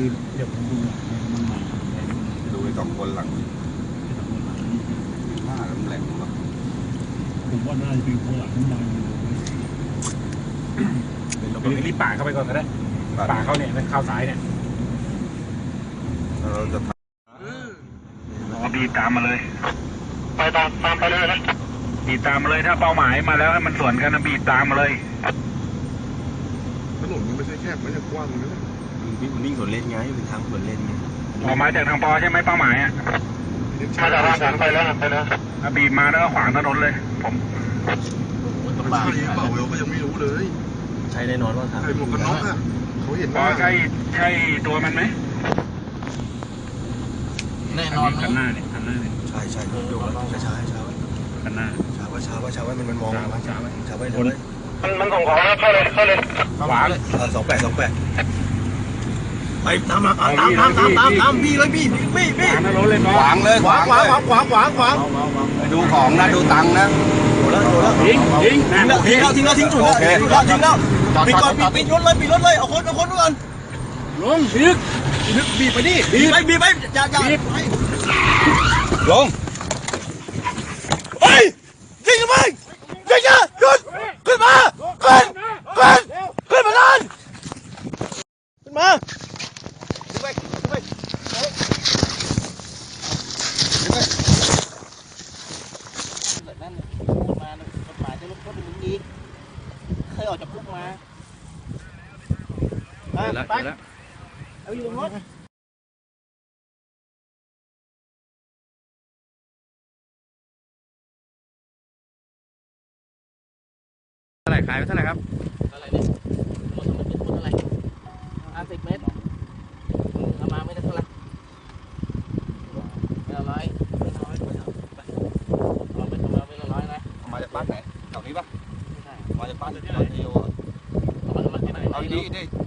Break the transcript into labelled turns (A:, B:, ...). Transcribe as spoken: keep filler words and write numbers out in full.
A: คือเดี๋ยวผมดูหลังมันใหม่
B: ดูไอ้สองคนหลังหน้าแหลมๆแบบ
A: ผมว่าน่าจะเป็นคนหลังมันใหม่เราไปรีบป่าเข้าไปก่อนก็ได้ป่าเข้าเนี่ยเข้าสายเนี่ย
B: เราจะท
C: บีบตามมาเลยไปตามตามไปเลยนะบีบตามมาเลยถ้าเป้าหมายมาแล้วให้มันสวนกันนะบีบตามมาเลย
D: ถนนมันไม่ใช่แคบไม่ใช่กว้างเลยนะ
B: วิ่งวิ่งสวนเลนไงเป็นทางสวนเลนไง
C: ออกมาจากทางปอใช่ไหมเป้าหมายอ่ะมาจากทางฉันไปแล้วไปแล้วบีบมาแล้วก็ขวางถนนเลยผม
D: ใช่เปล่าเราก็ยังไม่รู้เลย
B: ใช่แน่นอนว่าทาง
D: ใส่หมวกกันน็อกอ่ะเขาเห็น
C: ปอ
D: ว่า
C: ใช่ใช่ตัวมันไหม
A: แน่นอนคันหน้าเนี่ยคันหน้าเนี่ย
B: ใช่ใช่ดูช้าช้าช้าไว้
A: คันหน้า
B: ช้าไว้ช้าไว้ช้าไว้มันมันมองช้าไว้ช้าไว้ช้าไว้เลย
C: มันมันส่งของแล้วเข้าเลยเข้าเลย
A: ขวา
B: สองแปดสองแปดไปตามมาตามตามตามตามตามตามพี่เลยพี่พี่พี่
C: ขวางถนนเลยปอ
B: ขวางเลยขวางขวางขวางขวางขวางไปดูของนะดูตังค์นะโดนแล้วโดนแล้ว
A: ทิ้งทิ้ง
B: ทิ้งแล้วทิ้งแล้วทิ้งจุดแล้วทิ้งแล้วทิ้งแล้วปิดก่อนปิดปิดรถเลยปิดรถเลยเอาคนเอาคนก่อน
A: ลงยึก
B: นึกบีบไปดิบีบไปบีบไปอย่าอย่าลงเฮ้ยยิงกันไปยิงกันขึ้นขึ้นมาขึ้นขึ้นขึ้นมานั่นขึ้นมาขึ้นไปขึ้นไป
E: นั่นมากฎหมายจะลดโทษเป็นอย่างนี้เคยออกจากคุกมาไปเอาอยู่รถ
A: เท่าไหร่ขายไปเท่าไหร่ครับ
E: อะไรเนี่ยรถมันเป็นคนอะไรห้าสิบเมตรเอามาไม่ได้เท่าไหร่ไม่ละร้อยไม่ละร้อยเอาไปทำมาไม่ละร้อยนะ
B: มาจากบ้านไหนแถวนี้ปะ
E: ไม่ใช่
B: มาจากบ้านที่ไหน
E: เอามาที่ไหน
B: เอาดีดิ